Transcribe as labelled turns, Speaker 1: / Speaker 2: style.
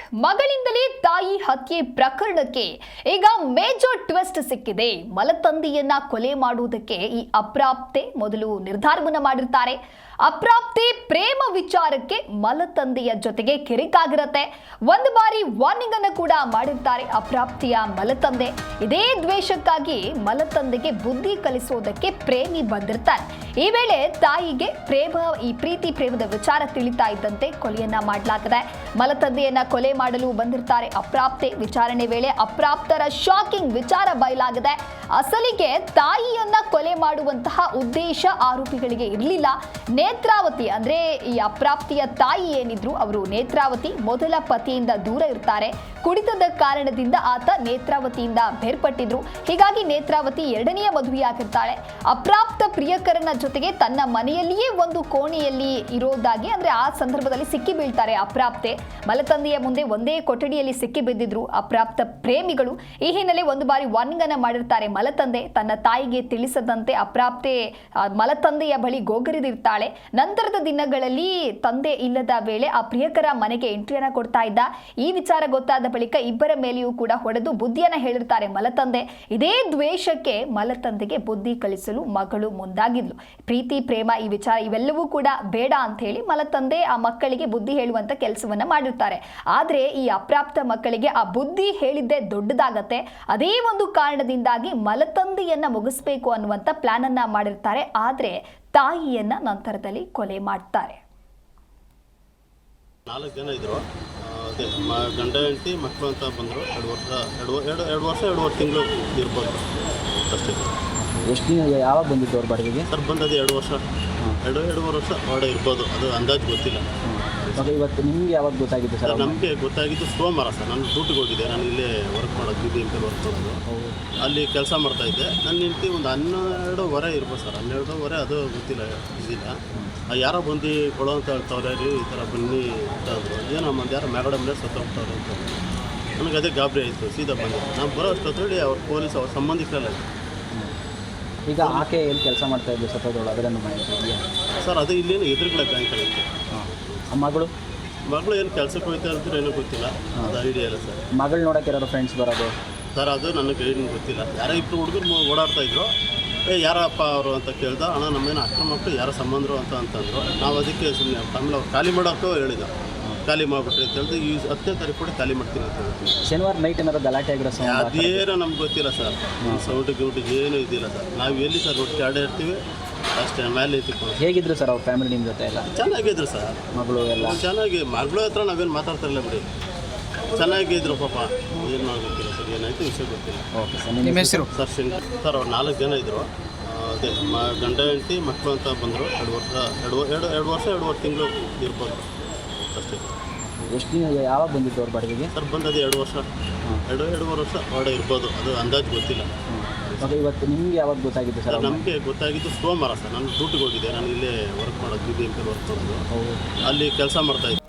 Speaker 1: ಮಗಳಿಂದಲೇ ತಾಯಿ ಹತ್ಯೆ ಪ್ರಕರಣಕ್ಕೆ ಈಗ ಮೇಜರ್ ಟ್ವಿಸ್ಟ್ ಸಿಕ್ಕಿದೆ. ಮಲತಂದೆಯನ್ನ ಕೊಲೆ ಮಾಡುವುದಕ್ಕೆ ಈ ಅಪ್ರಾಪ್ತೆ ಮೊದಲು ನಿರ್ಧಾರವನ್ನ ಮಾಡಿರ್ತಾರೆ. ಅಪ್ರಾಪ್ತೆ ಪ್ರೇಮ ವಿಚಾರಕ್ಕೆ ಮಲತಂದೆಯ ಜೊತೆಗೆ ಕಿರಿಕಾಗಿರತ್ತೆ. ಒಂದು ಬಾರಿ ವಾರ್ನಿಂಗ್ ಅನ್ನು ಕೂಡ ಮಾಡಿರ್ತಾರೆ ಅಪ್ರಾಪ್ತಿಯ ಮಲತಂದೆ. ಇದೇ ದ್ವೇಷಕ್ಕಾಗಿ ಮಲತಂದೆಗೆ ಬುದ್ಧಿ ಕಲಿಸೋದಕ್ಕೆ ಪ್ರೇಮಿ ಬಂದಿರ್ತಾರೆ. ಈ ವೇಳೆ ತಾಯಿಗೆ ಪ್ರೀತಿ ಪ್ರೇಮದ ವಿಚಾರ ತಿಳಿತಾ ಇದ್ದಂತೆ ಕೊಲೆಯನ್ನ ಮಾಡಲಾಗಿದೆ. ಮಲತಂದೆಯನ್ನ ಕೊಲೆ ಮಾಡಲು ಬಂದಿರ್ತಾರೆ ಅಪ್ರಾಪ್ತೆ. ವಿಚಾರಣೆ ವೇಳೆ ಅಪ್ರಾಪ್ತರ ಶಾಕಿಂಗ್ ವಿಚಾರ ಬಯಲಾಗಿದೆ. ಅಸಲಿಗೆ ತಾಯಿಯನ್ನ ಕೊಲೆ ಮಾಡುವಂತಹ ಉದ್ದೇಶ ಆರೋಪಿಗಳಿಗೆ ಇರಲಿಲ್ಲ. ನೇತ್ರಾವತಿ ಅಂದ್ರೆ ಈ ಅಪ್ರಾಪ್ತಿಯ ತಾಯಿ ಏನಿದ್ರು ಅವರು ನೇತ್ರಾವತಿ ಮೊದಲ ಪತಿಯಿಂದ ದೂರ ಇರ್ತಾರೆ. ಕುಡಿತದ ಕಾರಣದಿಂದ ಆತ ನೇತ್ರಾವತಿಯಿಂದ ಬೇರ್ಪಟ್ಟಿದ್ರು. ಹೀಗಾಗಿ ನೇತ್ರಾವತಿ ಎರಡನೆಯ ಮದುವೆಯಾಗಿರ್ತಾಳೆ. ಅಪ್ರಾಪ್ತ ಪ್ರಿಯಕರನ ಜೊತೆಗೆ ತನ್ನ ಮನೆಯಲ್ಲಿಯೇ ಒಂದು ಕೋಣೆಯಲ್ಲಿ ಇರೋದಾಗಿ ಅಂದ್ರೆ ಆ ಸಂದರ್ಭದಲ್ಲಿ ಸಿಕ್ಕಿ ಬೀಳ್ತಾರೆ ಅಪ್ರಾಪ್ತೆ. ಮಲತಂದೆಯ ಮುಂದೆ ಒಂದೇ ಕೊಠಡಿಯಲ್ಲಿ ಸಿಕ್ಕಿ ಬಿದ್ದಿದ್ರು ಅಪ್ರಾಪ್ತ ಪ್ರೇಮಿಗಳು. ಈ ಹಿನ್ನೆಲೆ ಒಂದು ಬಾರಿ ವಾರ್ನಿಂಗ್ ಅನ್ನ ಮಾಡಿರ್ತಾರೆ ಮಲತಂದೆ. ತನ್ನ ತಾಯಿಗೆ ತಿಳಿಸದಂತೆ ಅಪ್ರಾಪ್ತೆ ಮಲತಂದೆಯ ಬಳಿ ಗೋಗರಿದಿರ್ತಾಳೆ. ನಂತರದ ದಿನಗಳಲ್ಲಿ ತಂದೆ ಇಲ್ಲದ ವೇಳೆ ಆ ಪ್ರಿಯಕರ ಮನೆಗೆ ಎಂಟ್ರಿಯನ್ನ ಕೊಡ್ತಾ ಇದ್ದ. ಈ ವಿಚಾರ ಗೊತ್ತಾದ ಬಳಿಕ ಇಬ್ಬರ ಮೇಲೆಯೂ ಕೂಡ ಹೊಡೆದು ಬುದ್ಧಿಯನ್ನ ಹೇಳಿರ್ತಾರೆ ಮಲತಂದೆ. ಇದೇ ದ್ವೇಷಕ್ಕೆ ಮಲತಂದೆಗೆ ಬುದ್ಧಿ ಕಲಿಸಲು ಮಗಳು ಮುಂದಾಗಿದ್ಲು. ಪ್ರೀತಿ ಪ್ರೇಮ ಈ ವಿಚಾರ ಇವೆಲ್ಲವೂ ಕೂಡ ಬೇಡ ಅಂತ ಹೇಳಿ ಮಲತಂದೆ ಆ ಮಕ್ಕಳಿಗೆ ಬುದ್ಧಿ ಹೇಳುವಂತ ಕೆಲಸವನ್ನ ಮಾಡಿರ್ತಾರೆ. ಆದ್ರೆ ಈ ಅಪ್ರಾಪ್ತ ಮಕ್ಕಳಿಗೆ ಆ ಬುದ್ಧಿ ಹೇಳಿದ್ದೇ ದೊಡ್ಡದಾಗತ್ತೆ. ಅದೇ ಒಂದು ಕಾರಣದಿಂದಾಗಿ ಮಲತಂದೆಯನ್ನ ಮುಗಿಸ್ಬೇಕು ಅನ್ನುವಂತ ಪ್ಲಾನ್ ಅನ್ನ ಮಾಡಿರ್ತಾರೆ. ಆದ್ರೆ ತಾಯಿಯನ್ನ ನಂತರದಲ್ಲಿ ಕೊಲೆ ಮಾಡ್ತಾರೆ.
Speaker 2: 4 ಜನ ಇದ್ರು. ಅದೇ ಗಂಡ ಹೆಂಡತಿ ಮಕ್ಕಳು ಅಂತ ಬಂದರು. 2 ವರ್ಷ 2 ತಿಂಗಳು ಇರ್ಬೋದು ಅಷ್ಟೇ.
Speaker 3: ಎಷ್ಟು ದಿನ ಯಾವಾಗ ಬಂದಿದ್ದು ಅವ್ರ ಬಾಡಿಗೆಗೆ?
Speaker 2: ಸರ್ ಬಂದದ್ದು 2 ವರ್ಷ 2-2.5 ವರ್ಷ ಹೊರಡೆ ಇರ್ಬೋದು, ಅದು ಅಂದಾಜು ಗೊತ್ತಿಲ್ಲ.
Speaker 3: ಇವತ್ತು ನಿಮ್ಗೆ ಯಾವಾಗ ಗೊತ್ತಾಗಿದ್ದು ಸರ್?
Speaker 2: ನಮಗೆ ಗೊತ್ತಾಗಿದ್ದು ಸೋಮವಾರ ಸರ್. ನಾನು ಡ್ಯೂಟಿಗೆ ಹೋಗಿದ್ದೆ. ನಾನು ಇಲ್ಲೇ ವರ್ಕ್ ಮಾಡೋದು BBMP ವರ್ಕ್ ಮಾಡೋದು. ಅಲ್ಲಿ ಕೆಲಸ ಮಾಡ್ತಾಯಿದ್ದೆ. ನನ್ನ ಹೆಂಡತಿ ಒಂದು 12:15 ಇರ್ಬೋದು ಸರ್. 12:15 ಅದು ಗೊತ್ತಿಲ್ಲ ಇದಿಲ್ಲ. ಯಾರೋ ಬಂದು ಕೊಡೋ ಅಂತ ಹೇಳ್ತಾವ್ರೆ, ಈ ಥರ ಬನ್ನಿ ಅಂತ ಅಂದರು. ಏನಮ್ಮ ಯಾರೋ ಮ್ಯಾಗಡೆ ಮೇಲೆ ಸತ್ತೋಗ್ತಾವ್ರೆ ಅಂತ. ನನಗೆ ಅದೇ ಗಾಬರಿ ಆಯಿತು. ಸೀದಾ ಬಂದೆ. ನಾನು ಬರೋ ಅಷ್ಟೊತ್ತೇಳಿ ಅವ್ರ ಪೊಲೀಸ್ ಅವ್ರ ಸಂಬಂಧಿಕರಲ್ಲ.
Speaker 3: ಈಗ ಆಕೆ ಎಲ್ಲಿ ಕೆಲಸ ಮಾಡ್ತಾ ಇದ್ದು ಸತ್ತೋದಳು ಅದನ್ನು ಮಾಹಿತಿ
Speaker 2: ಸರ್? ಅದು ಇಲ್ಲೇನು ಎದುರುಗಡೆ ಬ್ಯಾಂಕಲ್ಲಿ ಇತ್ತು. ಮಗಳು ಏನು ಕೆಲಸಕ್ಕೆ ಹೋಗ್ತಾ ಇದ್ರು ಏನೋ ಗೊತ್ತಿಲ್ಲ, ಅದು ಐಡಿಯಾ ಇಲ್ಲ ಸರ್.
Speaker 3: ಮಗಳು ನೋಡೋಕೆ ಯಾರು ಫ್ರೆಂಡ್ಸ್ ಬರೋದು
Speaker 2: ಸರ್? ಅದು ನನಗೆ ಏನು ಗೊತ್ತಿಲ್ಲ. ಯಾರೋ 2 ಹುಡುಗರು ಓಡಾಡ್ತಾ ಇದ್ರು. ಯಾರಪ್ಪ ಅವರು ಅಂತ ಕೇಳ್ದ. ಅಣ್ಣ ನಮ್ಮೇನು ಅಕ್ರಮ ಮಕ್ಕಳು ಯಾರೋ ಸಂಬಂಧರು ಅಂತಂದರು. ನಾವು ಅದಕ್ಕೆ ಸುಮ್ಮನೆ ಆಮೇಲೆ ಅವ್ರು ಖಾಲಿ ಮಾಡೋಕ್ಕೂ ಹೇಳಿದ. ಖಾಲಿ ಮಾಡಿಬಿಟ್ರಿ ಅಂತ ಹೇಳಿದ್ರೆ ಈ 10ನೇ ತಾರೀಕು ಕೂಡ ಖಾಲಿ ಮಾಡ್ತೀನಿ ಅಂತ ಹೇಳ್ತೀನಿ.
Speaker 3: ಶನಿವಾರ ನೈಟ್ ಏನಾದ್ರು ಗಲಾಟೆ ಆಗಿರೋ
Speaker 2: ಅದೇನೋ ನಮ್ಗೆ ಗೊತ್ತಿಲ್ಲ ಸರ್. ಸೌಟಿಗೆ ಏನೂ ಇದಿಲ್ಲ ಸರ್. ನಾವು ಎಲ್ಲಿ ಸರ್ ಒಟ್ಟಿಗೆ ಆಡೇ ಇರ್ತೀವಿ ಅಷ್ಟೇ. ಮೇಲೆ ಇತ್ತು.
Speaker 3: ಹೇಗಿದ್ರು ಸರ್ ಅವ್ರ ಫ್ಯಾಮಿಲಿ ನಿಮ್ಮ ಜೊತೆ ಎಲ್ಲ?
Speaker 2: ಚೆನ್ನಾಗಿದ್ರು ಸರ್.
Speaker 3: ಮಗಳು ಎಲ್ಲ ಚೆನ್ನಾಗಿ.
Speaker 2: ಮಗಳು ಹತ್ರ ನಾವೇನು ಮಾತಾಡ್ತಾರಲ್ಲ ಬಿಡಿ, ಚೆನ್ನಾಗಿದ್ರು ಪಾಪ. ಏನು ಗೊತ್ತಿಲ್ಲ ಸರ್, ಏನಾಯಿತು ವಿಷಯ ಗೊತ್ತಿಲ್ಲ.
Speaker 3: Okay sir. ನಿಮ್ಮ ಹೆಸರು?
Speaker 2: Sir Shankar sir. ಅವ್ರು 4 ಜನ ಇದ್ದರು. ಅದೇ ಗಂಡ ಹೆಂಡತಿ ಮಕ್ಕಳು ಅಂತ ಬಂದರು. 2 ವರ್ಷ 2 ತಿಂಗಳು ಇರ್ಬೋದು ಅಷ್ಟೇ.
Speaker 3: ಎಷ್ಟು ದಿನ ಯಾವಾಗ ಬಂದಿದ್ದು ಅವ್ರ ಬಾಡಿಗೆಗೆ?
Speaker 2: ಸರ್ ಬಂದದ್ದು 2 ವರ್ಷ 2-2.5 ವರ್ಷ ಹೊರಡೆ ಇರ್ಬೋದು, ಅದು ಅಂದಾಜು ಗೊತ್ತಿಲ್ಲ.
Speaker 3: ಇವತ್ತು ನಿಮ್ಗೆ ಯಾವಾಗ ಗೊತ್ತಾಗಿದ್ದು ಸರ್?
Speaker 2: ನಮಗೆ ಗೊತ್ತಾಗಿದ್ದು ಸೋಮವಾರ ಸರ್. ನಾನು ಡ್ಯೂಟಿಗೆ ಹೋಗಿದ್ದೆ. ನಾನು ಇಲ್ಲೇ ವರ್ಕ್ ಮಾಡೋದು BBMP ವರ್ಕ್ ಮಾಡೋದು. ಅಲ್ಲಿ ಕೆಲಸ ಮಾಡ್ತಾಯಿದ್ದೆ.